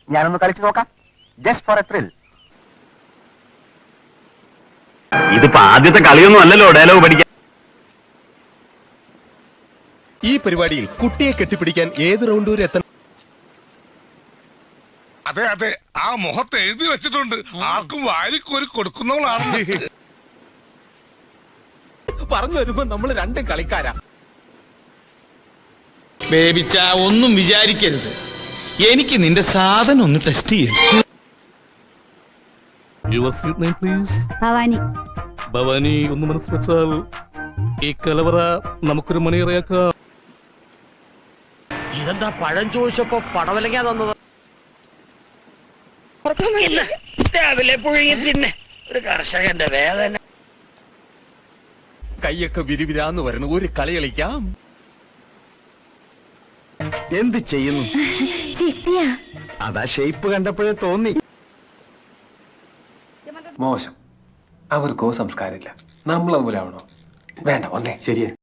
ഞാനൊന്ന് കളിച്ചു നോക്കാം, ജസ്റ്റ് ഫോർ എ ത്രിൽ. ഇതിപ്പോ ആദ്യത്തെ കളിയൊന്നും അല്ലല്ലോ ഡയലോഗ് പഠിക്കാൻ. ഈ പരിപാടിയിൽ കുട്ടിയെ കെട്ടിപ്പിടിക്കാൻ ഏത് റൗണ്ട് വരെ എത്തണം? അതെ അതെ, ആ മുഖത്ത് എഴുതി വെച്ചിട്ടുണ്ട്, ആർക്കും വാരിക്കോരി കൊടുക്കുന്നവളാണ്. പറഞ്ഞു വരുമ്പോ നമ്മൾ രണ്ടും കളിക്കാരാ. ബേബിച്ച ഒന്നും വിചാരിക്കരുത്, എനിക്ക് നിന്റെ സാധനം ഒന്ന് ടെസ്റ്റ് ചെയ്യണം. Your sweet name, please. Bhavani. Bhavani, ഒന്ന് മനസ്സ് വെച്ചാൽ ഈ കലവറ നമുക്കൊരു മണിയറയാക്കാം. ഇതെന്താ പഴം ചോദിച്ചപ്പോ പടവലങ്ങാ തന്നത്? രാവിലെ പുഴുങ്ങി തിന്നെ ഒരു കർഷകന്റെ വേദന. കൈയൊക്കെ വിരിവിരാന്ന് വരണം, ഒരു കളി കളിക്കാം. എന്ത് ചെയ്യുന്നു? ചിട്ടിയാ. അതാ ഷേപ്പ് കണ്ടപ്പോഴേ തോന്നി. മോശം, അവർക്കോ സംസ്കാരമില്ല. നമ്മൾ അതുപോലെ ആവണോ? വേണ്ട, ഒന്നേ ശരിയാ.